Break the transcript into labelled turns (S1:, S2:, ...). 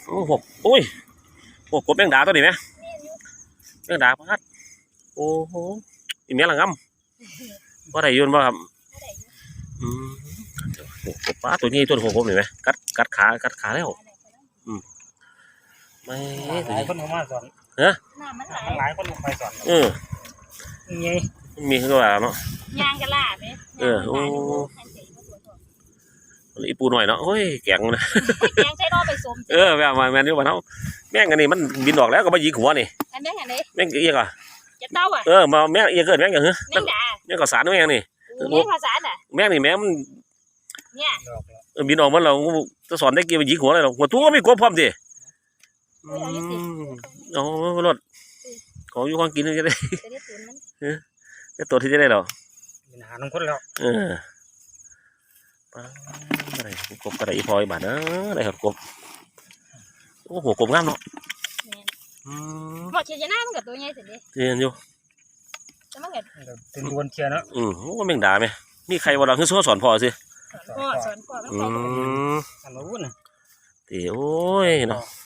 S1: โอ้โหโอ้ยโอ้กบแมงดาตัวนี้ไหมแมงดาพัดโอ้โหอีเมียละงำว่าได้ยืนบ่ครับอืมโอ้กบปลาตัวนี้ตัวของผมเห็นไหมกัดขาแล้วไม่
S2: หลายคนลงมาสอนมันหลายคนลงไปสอนไง
S1: มีขึ้นมาเนาะ
S3: ยางกระลาไหม
S1: โอ้อีปูหน่อยเนาะโอ้ยแกงนะ
S3: แกงใช้รอไปสม
S1: แบบแมนนี่ว่าเนาะแม่งอันนี้มันบินออกแล้วก็มายิงหัวนี่
S3: อันนี้อันนี้
S1: แม่งเอียงอ่ะ
S3: จะเต้าอ่ะ
S1: มาแม่งเอียงเกิดแม่งอย่างเฮ้ย
S3: แม่งด่า
S1: แม่งก็สารแม่งนี่
S3: แม่งภาษาอ่ะ
S1: แม่งนี่แม่มัน
S3: เนี่ย
S1: บินออกมันเราจะสอนได้กี่มายิงหัวอะไรหรอกหัวตัวก็ไม่กลัวพร้อมดิเอารถของอยู่ของกินจะได้ได้ตัวที่จะได้หรอ
S2: เป็นหาน้องคนแล้ว
S1: อะไรกบกระไรพลอยบาดนะอะไรครับกบโอ้โหกบงามเนาะ
S3: หมดเชียร์หน้ามันกับตัวใหญ่สุดเลย
S1: เรียนอยู่
S3: จะมันเกิด
S2: เป็นดวนเชียร์เนาะ
S1: ว่าแมงดาไหมมีใครวันหลังคือสอนพ่อสิ
S3: สอนพ่อมัน
S2: อันนู้น
S1: โอ้ยเนาะ